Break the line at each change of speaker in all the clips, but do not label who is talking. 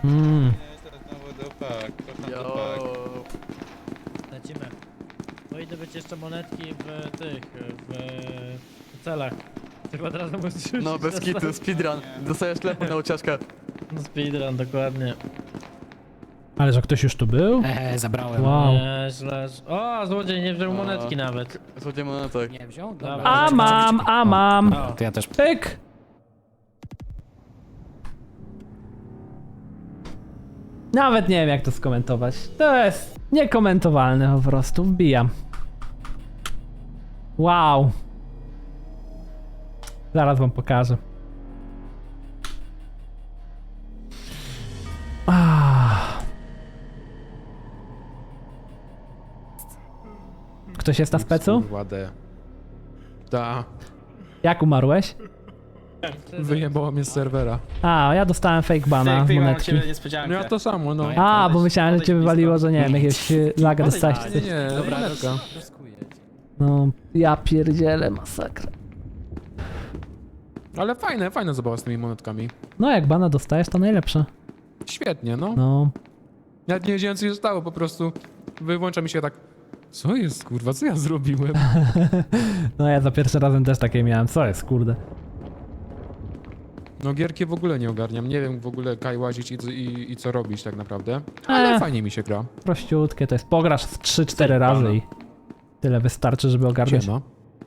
Znowu dupak, kocham dupak.
Lecimy. No idę być jeszcze monetki w tych, w celach. Tylko od razu musisz
No bez kitu, speedrun. Dostajesz telefon na ucieczkę.
No speedrun, dokładnie.
Ale że ktoś już tu był?
Zabrałem.
Wow.
Nieźle. O, złodziej nie wziął monetki nawet.
Złodziej monetek.
Nie wziął?
Dobra.
A mam.
O,
To ja też.
Pyk! Nawet nie wiem jak to skomentować. To jest niekomentowalne po prostu. Wbijam. Wow. Zaraz wam pokażę. Ktoś jest na specu?
Ładę. Ta,
Jak umarłeś?
wyjebało mnie z serwera.
A, ja dostałem fake bana z monetki.
No ja to samo, no.
A, bo myślałem, że cię wywaliło, że nie wiem, jakiegoś laga dostałeś czy
Nie,
coś.
nie, monetka.
No, ja pierdzielę, masakra.
Ale fajna zabawa z tymi monetkami.
No, jak bana dostajesz, to najlepsze.
Świetnie, no.
No,
Nawet nie wiedziałem co się stało, po prostu wyłącza mi się tak. Co jest, kurwa, co ja zrobiłem?
no ja za pierwszym razem też takie miałem. Co jest, kurde?
No gierki w ogóle nie ogarniam, nie wiem w ogóle kaj łazić i co robić tak naprawdę. Ale fajnie mi się gra.
Prościutkie, to jest pograsz z 3-4 razy i tyle wystarczy, żeby ogarnąć.
Siema.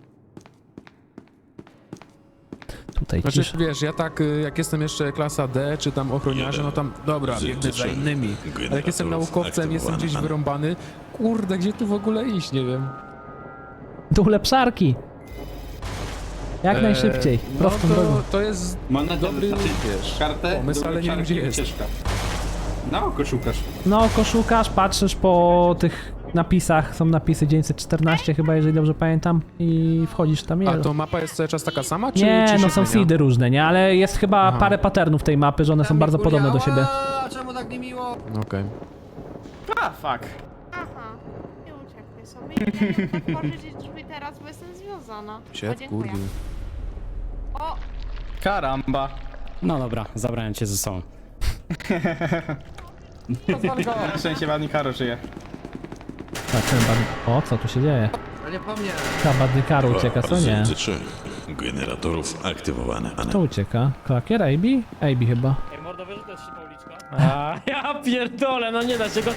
Tutaj
Znaczy,
cisza.
wiesz, ja tak, jak jestem jeszcze klasa D, czy tam ochroniarze, no tam, dobra, biegnę za innymi. Ale jak jestem naukowcem, jestem gdzieś wyrąbany, kurde, gdzie tu w ogóle iść, nie wiem.
Tu ulepszarki! Jak najszybciej, prostą
no
drogą.
to jest
Monetę
dobry
wiesz, kartę,
pomysł, ale nie wiem gdzie jest.
ucieczka. Na oko szukasz.
No, oko szukasz, patrzysz po tych napisach, są napisy 914 chyba, jeżeli dobrze pamiętam, i wchodzisz tam.
A to mapa jest cały czas taka sama, czy
Nie,
czy
no
się
są
zmienia?
seedy różne, nie? Ale jest chyba
Aha.
parę patternów tej mapy, że one są bardzo podobne do siebie.
Czemu tak niemiło?
Okej.
Aha, nie uciekaj sobie. Ja nie chcę otworzyć drzwi teraz, bo jestem związana. O,
Sied,
dziękuję.
kurde.
O,
Karamba.
No dobra, zabrałem cię ze sobą.
Na szczęście ładnie Karo żyje.
Tak, ten o, co tu się dzieje?
Ale nie po mnie.
Ta badny karo ucieka, co nie?
3 generatorów aktywowane.
To ucieka. Klakier, AB? AB chyba.
Ej, mordo, wiesz, że to jest szybka uliczka? A, ja pierdolę, no nie da się go...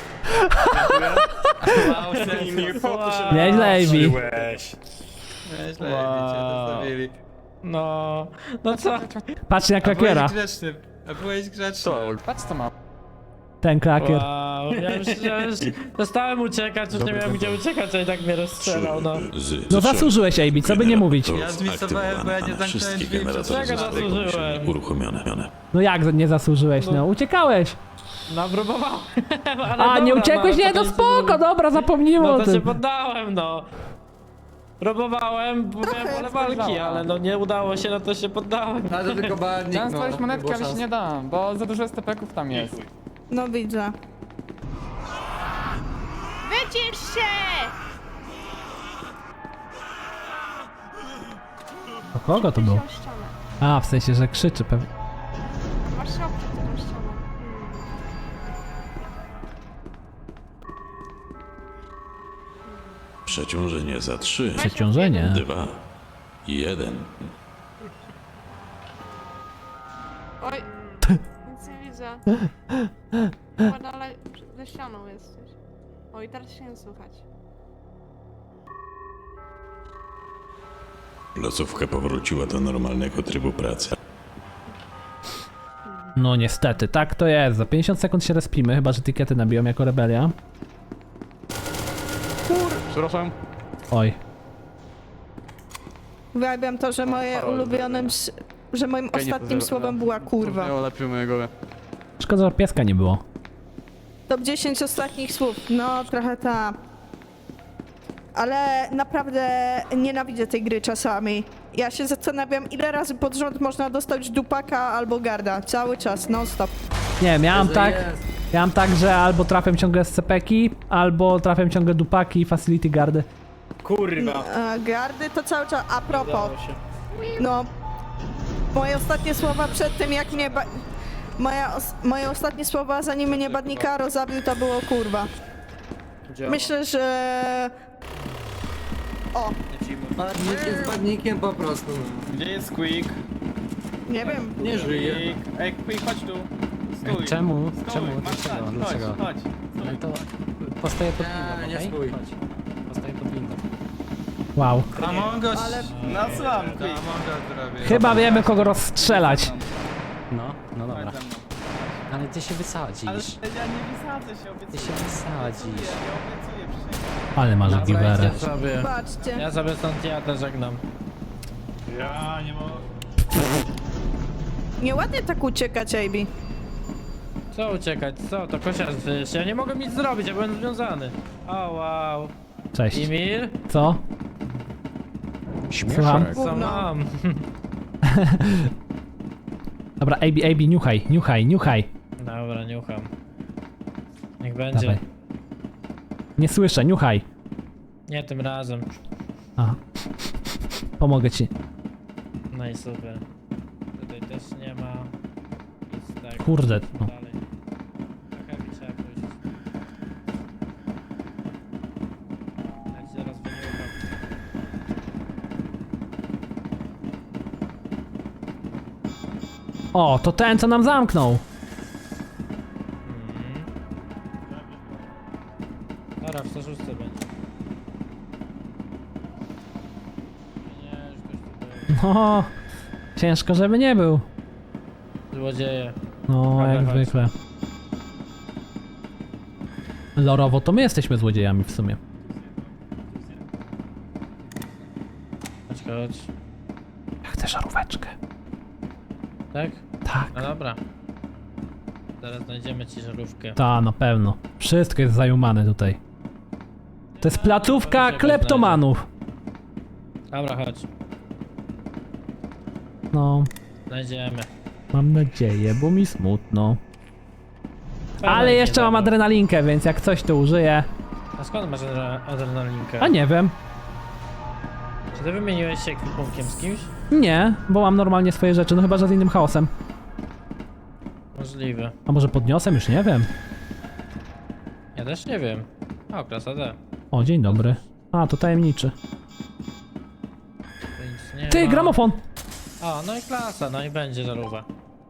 Nieźle, AB.
Nieźle, wow. Cię dostawili.
No, no co?
Patrzcie na klakiera.
grzeczny, a byłeś grzeczny.
Patrz co mam.
Ten klakier.
Wow, ja już przestałem uciekać, już nie miałem gdzie uciekać, a i tak mnie rozstrzelał, no.
No zasłużyłeś, AB, co by nie mówić.
Ja zmisowałem, bo ja nie zamknąłem
Wszystkie
drzwi
generatory
Czego
zostały pomyślnie
zasłużyłem?
uruchomione.
No jak nie zasłużyłeś, no? Uciekałeś.
No, próbowałem, ale
A, nie
dobra,
uciekłeś?
no,
Nie,
to
no
nic
spoko, dobra, zapomnijmy
No
o
to się
tym.
poddałem, no. Próbowałem, bo miałem wolę walki, ale no nie udało się, no to się poddałem.
Ale to tylko badnik,
Chciałem
no.
spalić monetkę, ale się nie dam, bo za dużo STP-ków tam jest.
no widzę. Wycisz się!
O kogo to było?
Tą ścianę.
A, w sensie, że krzyczy pewnie.
Masz się oprzeć tą ścianę.
Przeciążenie za 3,
Przeciążenie.
2, 1.
Oj, nic nie widzę. Chyba dalej ze ścianą jesteś. Oj, teraz się nie słychać.
Placówka powróciła do normalnego trybu pracy.
No niestety, tak to jest. Za 50 sekund się respimy, chyba że etykiety nabiją jako rebelia.
Przepraszam.
Oj.
Uwielbiam to, że że moim ostatnim słowem była kurwa.
Nie lepiej mojego.
Szkoda, że pieska nie było.
Top 10 ostatnich słów. No, trochę ta. Ale naprawdę nienawidzę tej gry czasami. Ja się zastanawiam, ile razy pod rząd można dostać dupaka albo garda. Cały czas, non stop.
Nie, miałem tak, że albo trafiam ciągle SCP-ki, albo trafiam ciągle dupaki i facility guardy.
Kurwa.
Gardy to cały czas. A propos, no, moje ostatnie słowa przed tym, jak mnie Moje ostatnie słowa, zanim mnie Badnikaro zabił, to było kurwa. Myślę, że... O,
Badnik jest badnikiem po prostu.
Gdzie jest Quick?
nie wiem.
Nie żyje.
Ej, Quick, chodź tu. Stój.
Czemu?
Stój,
Czemu?
masz stać,
Dlaczego?
Chodź, chodź.
Ale to postoję pod
Nie,
windą,
nie
okej?
stój.
Chodź. Postoję pod windą.
Wow.
Among Us.
Ale-
No słucham, Quick. Among Us zrobię.
Chyba wiemy, kogo rozstrzelać.
No dobra.
Chodź ze mną.
Ale ty się wysadzisz.
Ale ja nie wysadzę się, obiecuję.
Ty się wysadzisz.
Ja obiecuję, przysięgam.
Ale masz
Dobra,
giwerę.
idźcie sobie.
Patrzcie.
Ja sobie stąd jadę, żegnam.
Ja nie mogę.
Nieładnie tak uciekać, AB.
Co uciekać? Co? To kosiarz wyjść. Ja nie mogę nic zrobić, ja byłem związany. O wow.
Cześć.
Emil?
Co? Słucham?
Co
Gówno.
mam?
Dobra, AB, niuchaj.
Dobra, niucham. Niech będzie.
Dawaj. Nie słyszę, niuchaj.
Nie tym razem.
Aha. Pomogę ci.
No i super. Tutaj też nie ma. Nic tak.
Kurde, no.
Dalej. Trochę mi trzeba pójść. Ja ci zaraz wyniucham.
O, to ten, co nam zamknął.
Dobra, w 106 będzie. Nie, już ktoś tutaj.
No, ciężko, żeby nie był.
Złodzieje.
No,
Dobra,
jak
chodź.
zwykle. Lorowo to my jesteśmy złodziejami w sumie.
Chodź.
Ja chcę żaróweczkę.
Tak?
Tak.
No dobra. Zaraz znajdziemy ci żarówkę.
Ta, na pewno. Wszystko jest zajumane tutaj. To jest placówka kleptomanów.
Dobra, chodź.
No,
Znajdziemy.
mam nadzieję, bo mi smutno.
Fajna
Ale
nie
jeszcze mam
dobra.
adrenalinkę, więc jak coś to użyję.
A skąd masz adrenalinkę?
A nie wiem.
Czy ty wymieniłeś się ekwipunkiem z kimś?
Nie, bo mam normalnie swoje rzeczy, no chyba, że z innym chaosem.
Możliwe.
A może podniosem? Już nie wiem.
Ja też nie wiem. O, klasa D.
O, dzień dobry. A, to tajemniczy.
To nic nie
Ty,
ma.
gramofon!
O, no i klasa, no i będzie żarówka.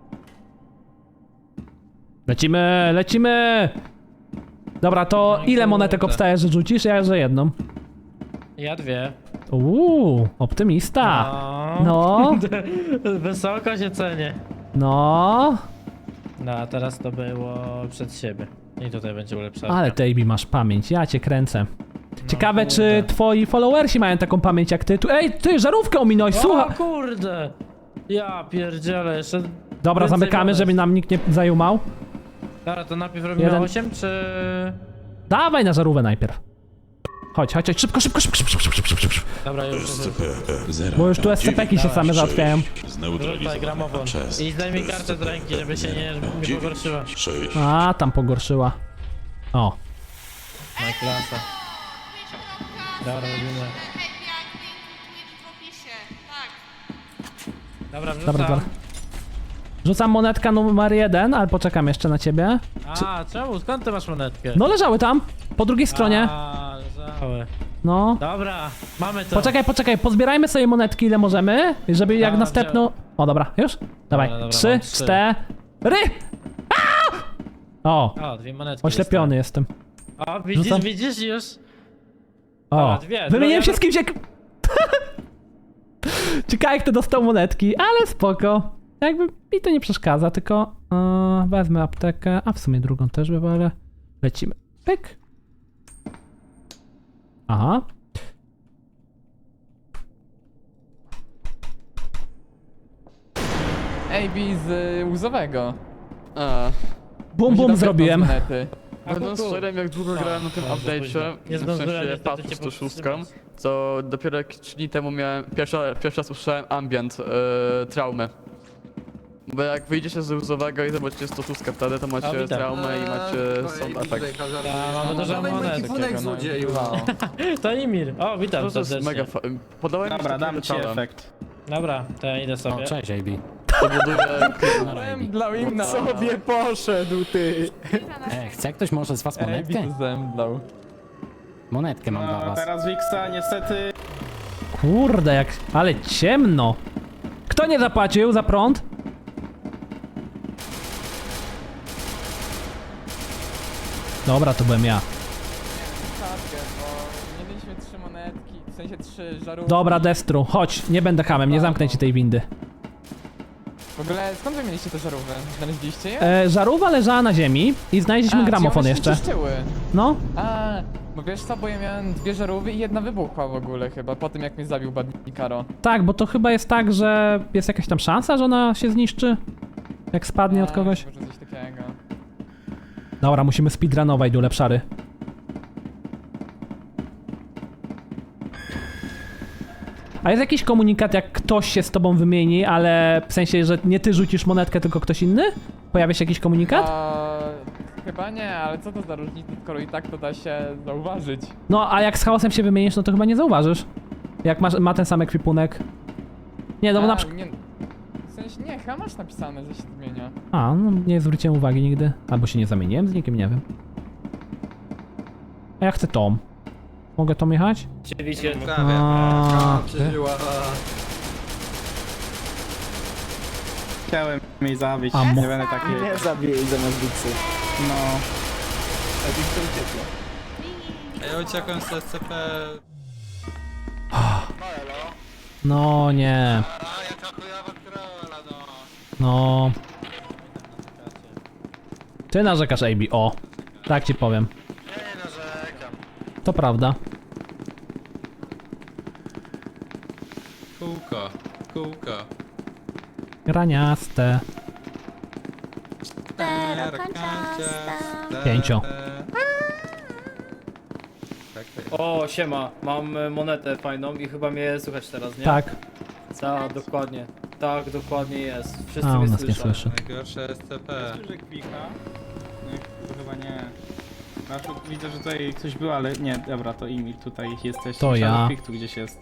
Lecimy! Dobra, to
No
ile monetek
kurde.
obstaje, że rzucisz? Ja, że jedną.
Ja dwie.
Optymista. No,
Wysoko się cenię.
no.
No, a teraz to było przed siebie. I tutaj będzie ulepszarka.
Ale ty, AB, masz pamięć, ja cię kręcę. Ciekawe,
kurde.
czy twoi followersi mają taką pamięć jak ty. Ej, ty, żarówkę ominąłeś,
O
słuchaj.
kurde! Ja pierdzielę, jeszcze...
Dobra,
więcej
zamykamy,
monet.
żeby nam nikt nie zajumał.
Dobra, to najpierw robimy
Jeden.
8, czy...
Dawaj na żarówkę najpierw. Chodź, szybko.
Dobra, już jest.
SCP-0.
Bo już tu SCP-ki się same załatwiają.
Rzucaj gramofon.
Czas.
I zdejmij kartę z ręki, żeby się nie pogorszyła.
6.
A, tam pogorszyła. O,
No i klasa. Dobra, robimy.
Happy acting, Twitch w opisie. Tak.
Dobra, wrzucam.
dobra. Rzucam monetka numer 1, ale poczekam jeszcze na ciebie.
A, czemu? Skąd ty masz monetkę?
No, leżały tam, po drugiej stronie.
A, leżały.
No.
Dobra, mamy to.
Poczekaj, pozbierajmy sobie monetki ile możemy, żeby jak
A,
następną... O, dobra, już? Dawaj,
dobra,
3,
mam 3.
4... O,
O, dwie monetki.
oślepiony jestem.
O, widzisz,
Rzucam.
widzisz już?
O,
Dobra, dwie.
wymieniłem
Druga-
się z kimś jak... Ciekawe kto dostał monetki, ale spoko. Jakby mi to nie przeszkadza, tylko wezmę aptekę, a w sumie drugą też wywalę. Lecimy. Pyk. Aha.
AB z łzowego.
Bum bum zrobiłem.
Monety.
Będąc szczerym, jak długo grałem na tym
za późno.
update'cie,
Nie
w
zdążyłem
sensie
niestety
patchu
cię
106,
powstrzymać.
to dopiero jak 3 dni temu miałem, pierwszy raz usłyszałem ambient traumy. Bo jak wyjdziecie z łzowego i zobaczycie 106 wtedy, to macie
witam.
traumę i macie sound effect.
mamy dużo monet.
Takiego, no.
To Emir. O, witam
To jest
serdecznie.
mega podałem
Dobra,
mi
dam ci
wieczorem.
efekt.
Dobra, to ja idę sobie.
O, cześć AB.
Powoduje...
Zemdlał im na
Sobie poszedł, ty!
Chce ktoś może z was monetkę?
Ej, zemdlał.
Monetkę mam dla
No,
was.
teraz Wiksa niestety...
Kurde, jak... Ale ciemno. Kto nie zapłacił za prąd? Dobra, to byłem ja.
Kartkę, bo nie mieliśmy 3 monetki, w sensie 3 żarówki.
Dobra, Destru, chodź, nie będę hamem, nie zamknę ci tej windy.
W ogóle skąd wy mieliście te żarówki? Znaleźliście je?
Żarówa leżała na ziemi i znaleźliśmy
A,
gramofon
czyli one
jeszcze.
się czyszczyły.
No,
A, bo wiesz co, bo ja miałem 2 żarówy i jedna wybuchła w ogóle chyba, po tym jak mnie zabił Badnikaro.
tak, bo to chyba jest tak, że jest jakaś tam szansa, że ona się zniszczy, jak spadnie od kogoś.
Może coś takiego.
Dobra, musimy speedrunować do lepszary. A jest jakiś komunikat, jak ktoś się z tobą wymieni, ale w sensie, że nie ty rzucisz monetkę, tylko ktoś inny? Pojawia się jakiś komunikat?
Chyba nie, ale co to za różnica, skoro i tak to da się zauważyć.
No, a jak z chaosem się wymienisz, no to chyba nie zauważysz. Jak ma ten sam ekwipunek. Nie, no bo na przykład...
Nie, w sensie nie, chyba masz napisane, że się zmienia.
A, no nie zwróciłem uwagi nigdy. Albo się nie zamieniłem z nikim, nie wiem. A ja chcę Tom. Mogę Tom jechać?
Oczywiście.
A,
Chciałem jej zabić,
A,
nie będę taki...
Nie zabij zamiast Wiksy.
No... A Wiksa uciekła. A ja uciekłem z SCP...
no nie. No. Ty narzekasz, AB. O. Tak ci powiem.
Nie narzekam.
To prawda.
Kółko, kółko.
Graniaste. Pięcio.
O, siema, mam monetę fajną i chyba mnie słychać teraz, nie?
Tak.
Tak, dokładnie. Tak, dokładnie jest. Wszyscy
A,
mnie
on nas nie
słyszą.
słyszy.
Najgorsze SCP. Że kwika? No, to chyba nie. Znaczy, widzę, że tutaj coś było, ale nie, dobra, to Emil, tutaj jesteś.
To ja.
Shadow Peak tu gdzieś jest.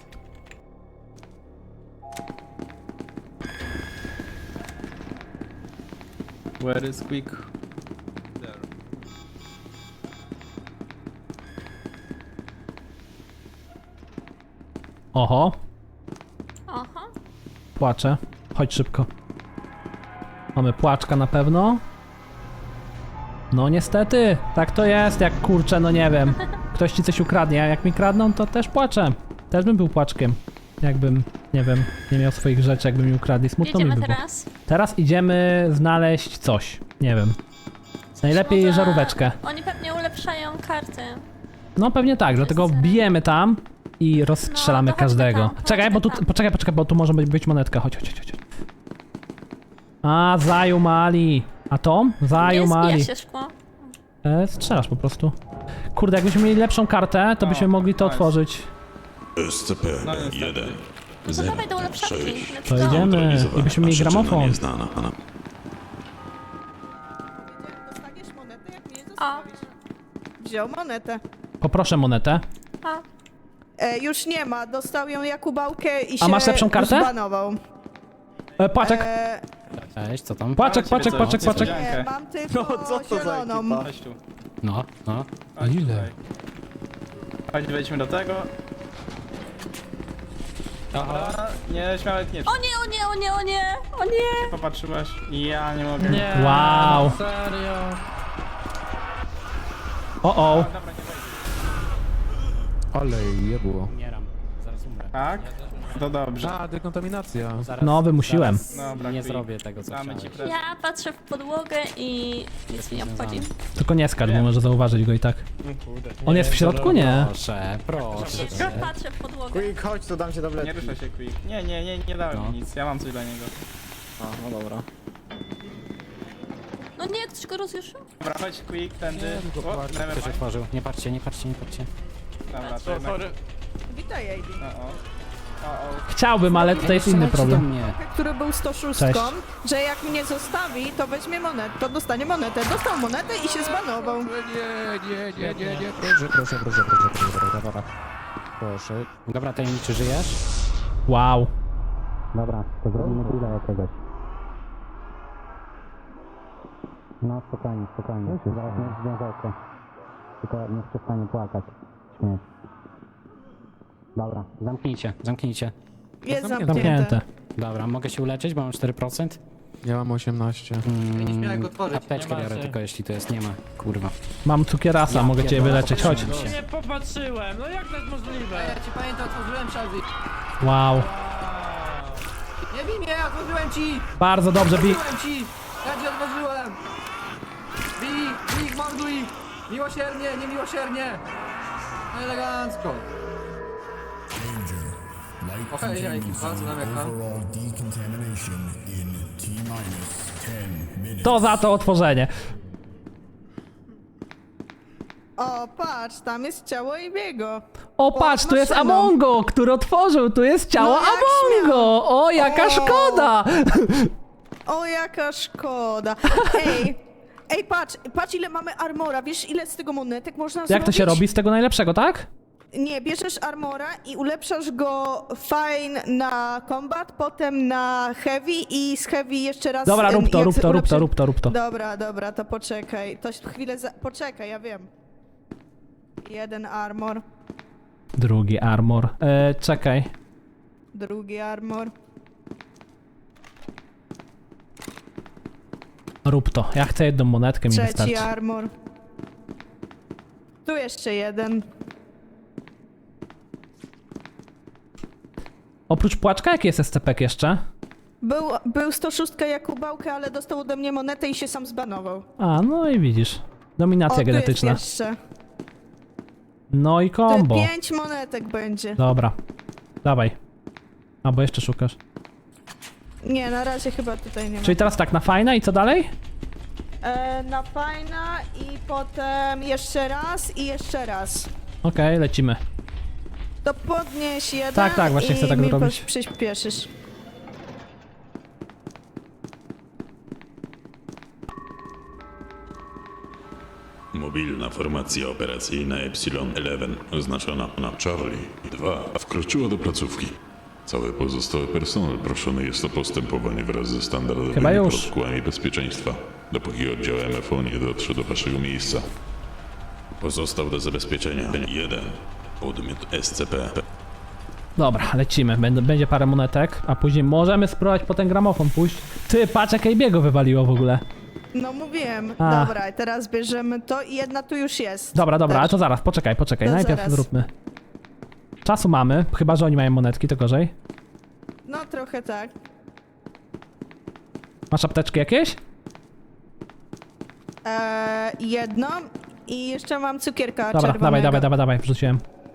Where is Quick? There.
Oho.
Aha.
Płaczę. Chodź szybko. Mamy płaczka na pewno. No niestety, tak to jest, jak kurczę, no nie wiem. Ktoś ci coś ukradnie, a jak mi kradną, to też płaczę. Też bym był płaczkiem. Jakbym, nie wiem, nie miał swoich rzeczy, jakby mi ukradli. Smutno mi by było. Teraz idziemy znaleźć coś. Nie wiem. Najlepiej żaróweczkę.
Oni pewnie ulepszają karty.
No pewnie tak, dlatego bijemy tam i rozstrzelamy
No, to chodźmy
każdego.
tam,
Czekaj,
chodźmy
bo tu,
tam.
poczekaj, bo tu może być monetka. Chodź. A, zajumali. A Tom?
Nie
Zajumali.
zbija się szkło.
Strzelasz po prostu. Kurde, jakbyśmy mieli lepszą kartę, to byśmy mogli to
nice.
otworzyć.
SCP-1
No to dawaj do ulepszarki.
06.
Let's
To
go.
idziemy. I byśmy mieli
Przyczyna
gramofon.
nieznana.
Dostaniesz monetę, jak mnie
A.
zostawisz. Wziął monetę.
Poproszę monetę.
A.
Już nie ma, dostał ją Jakubałkę i
A
się
masz lepszą kartę?
zbanował.
Płaczek.
Cześć, co tam?
Płaczek.
Nie, mam tylko zieloną.
Chodź tu.
No.
A ile?
Chodź, wejdźmy do tego. Dobra, nie, śmiałek nie.
O nie.
Popatrzyłaś? Ja nie mogę.
Nie.
Wow.
Serio.
O.
Dobra, nie wejdę.
Ale jebło.
Umieram. Zaraz umrę.
Tak? To dobrze.
A, dekontaminacja.
Zaraz,
No, wymusiłem.
zaraz
Dobra,
nie
quick.
zrobię tego, co
Damy ci
chciałeś.
prezent.
Ja patrzę w podłogę i nic mi nie obchodzi.
Tylko nie skacz, bo może zauważyć go i tak. On jest w środku? Nie.
Proszę.
Patrzę w podłogę.
Quick, chodź, to dam ci
Nie
tabletki.
ruszaj się, Quick. Nie dałem
No.
mi nic, ja mam coś dla niego.
A, no dobra.
No nie, ktoś go rozjuszył?
Dobra, chodź Quick, tędy. O,
Ktoś
nevermind.
otworzył. Nie patrzcie.
Dobra, to jednak...
Witaj, AB.
Chciałbym, ale tutaj jest inny
Strzelajcie do
problem.
mnie.
Który był 106,
Cześć.
że jak mnie zostawi, to weźmie monetę, to dostanie monetę. Dostał monetę i się zbanował.
Nie. Proszę.
Proszę. Dobra, tajemniczy, żyjesz?
Wow.
Dobra, to zrobimy grilla jakiegoś. No spokojnie, spokojnie. Zaraz nie związek. Tylko nie przestanie płakać. Śmieć. Dobra, zamknijcie, zamknijcie.
Jest
Zamknięte.
zamknięte.
Dobra, mogę się uleczyć, bo mam 4%.
Ja mam 18.
Apteczkę biorę tylko jeśli to jest, nie ma. Kurwa.
Mam cukierasa,
Ja
mogę cię
pierdolę,
wyleczyć, chodź.
popatrzyłem się.
Nie popatrzyłem, no jak to jest możliwe?
Ci pamiętam, otworzyłem Shelby.
Wow.
Nie bij mnie, otworzyłem ci!
Bardzo dobrze, Bi.
Otworzyłem ci! Ja ci otworzyłem! Bij, morduj! Miłosiernie, niemiłosiernie! Elegancko! Okej, bardzo nam ekran.
To za to otworzenie.
O, patrz, tam jest ciało Ibiego.
O, patrz, tu jest
maszyną.
Amongo, który otworzył, tu jest ciało
No jak
Amongo. O, jaka
O.
szkoda.
O, jaka szkoda. Ej, patrz ile mamy armora. Wiesz ile z tego monetek można zrobić?
Jak to się robi z tego najlepszego, tak?
Nie, bierzesz armora i ulepszasz go fine na combat, potem na heavy i z heavy jeszcze raz...
Dobra, rób to,
jak
rób to, rób to,
ulepszy-
rób to, rób to.
Dobra, to poczekaj. To chwilę poczekaj, ja wiem. Jeden armor,
Drugi armor. Czekaj.
drugi armor.
Rób to. Ja chcę jedną monetkę, mi
Trzeci
wystarczy.
armor. Tu jeszcze jeden.
Oprócz płaczka, jaki jest SCP jeszcze?
Był 106 Jakubałkę, ale dostał ode mnie monetę i się sam zbanował.
A, no i widzisz. Dominacja
Tu
genetyczna.
jest jeszcze.
No i kombo.
5 monetek będzie.
Dobra. Dawaj. A, bo jeszcze szukasz.
Nie, na razie chyba tutaj nie ma.
Czyli teraz tak, na fajna i co dalej?
Na fajna i potem jeszcze raz i jeszcze raz.
Okej, lecimy.
To podnieś jeden
Tak, właśnie
i
chcę tak
mi
zrobić.
przyspieszysz.
Mobilna formacja operacyjna Epsilon 11 oznaczona na Charlie 2 wkroczyła do placówki. Cały pozostały personel proszony jest o postępowanie wraz ze standardowymi
Chyba już.
protokołami bezpieczeństwa, dopóki oddział MFO nie dotrze do waszego miejsca. Pozostał do zabezpieczenia jeden podmiot SCP.
Dobra, lecimy. Będzie parę monetek, a później możemy spróbować po ten gramofon pójść. Ty, patrz jak biego wywaliło w ogóle.
No mówiłem.
A.
Dobra, teraz bierzemy to i jedna tu już jest.
Dobra,
Też.
ale to zaraz, poczekaj.
To
Najpierw
zaraz.
zróbmy. Czasu mamy, chyba że oni mają monetki, to gorzej.
No trochę tak.
Masz apteczki jakieś?
Jedną i jeszcze mam cukierka
Dobra,
czerwonego.
dawaj, wrzuciłem.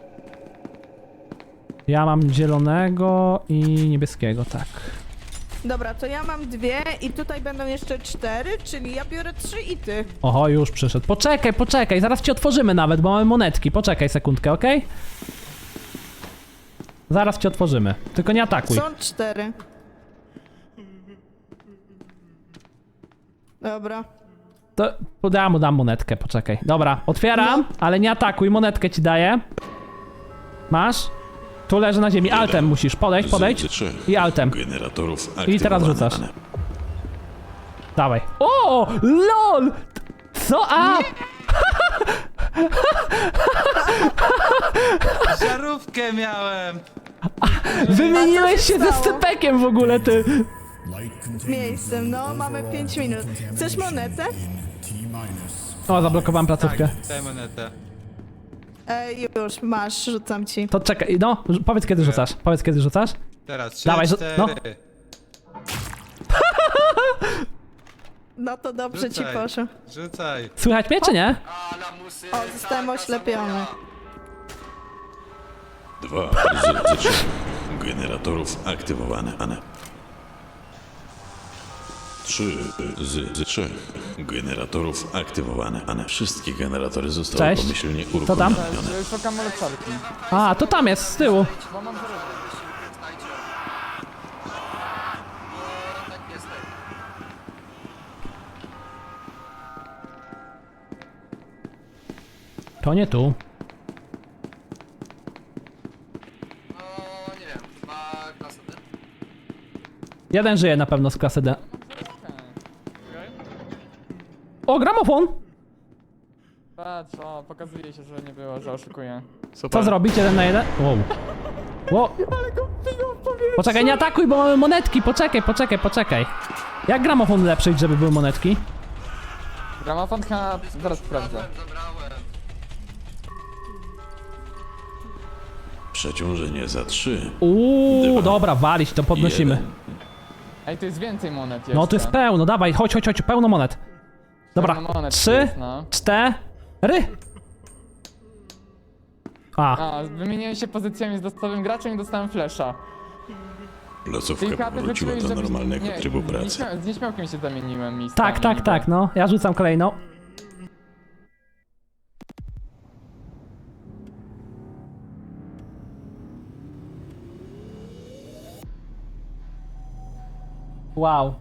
Ja mam zielonego i niebieskiego, tak.
Dobra, to ja mam 2 i tutaj będą jeszcze 4, czyli ja biorę 3 i ty.
Oho, już przyszedł. Poczekaj, zaraz ci otworzymy nawet, bo mamy monetki. Poczekaj sekundkę, okej? Zaraz ci otworzymy. Tylko nie atakuj.
Są 4. Dobra.
To ja mu dam monetkę, poczekaj. Dobra, otwieram, ale nie atakuj, monetkę ci daję. Masz? Tu leży na ziemi, altem musisz, podejdź.
Z trzech
I altem.
generatorów
I teraz
aktywowane.
rzucasz. Dawaj. O, LOL! Co? A!
Żarówkę miałem!
Wymieniłeś się ze Scypekiem w ogóle, ty!
Miejscem, no mamy 5 minut. Chcesz monetę?
O, zablokowałem placówkę.
Daj monetę.
Już, masz, rzucam ci.
To czekaj, no, powiedz kiedy rzucasz.
Teraz 3,
Dawaj,
4.
no.
No to dobrze ci
Rzucaj.
poszło.
Rzucaj.
Słychać mnie, czy nie?
O, zostałem oślepiony.
2 z 3 generatorów aktywowane. 3 z 3 generatorów aktywowane. Wszystkie generatory zostały
Cześć.
pomyślnie
Co tam?
uruchomione.
Szukam ulepszarki.
A, to tam jest, z tyłu.
Bo mam zarobek.
To nie tu.
No, nie wiem, chyba klasa D.
Jeden żyje na pewno z klasy D. O, gramofon!
Patrz, o, pokazuje się, że nie było, że oszukuję.
Co zrobić? 1 na 1? Wow. Wow. Poczekaj, nie atakuj, bo mamy monetki. Poczekaj. Jak gramofon ulepszyć, żeby były monetki?
Gramofon chyba... zaraz sprawdzę.
Zabrałem.
Przeciążenie za 3.
Uuu, dobra, walić, to podnosimy.
1.
Ej, tu jest więcej monet jeszcze.
No to jest pełno, dawaj, chodź, pełno monet. Dobra,
Pełno monet
3,
jest, no.
4.
A, wymieniłem się pozycjami z losowym graczem i dostałem flasha.
Losówka powróciła do normalnego trybu pracy.
Z nieśmiałkiem się zamieniłem miejscami.
Tak, no, ja rzucam kolejną. Wow.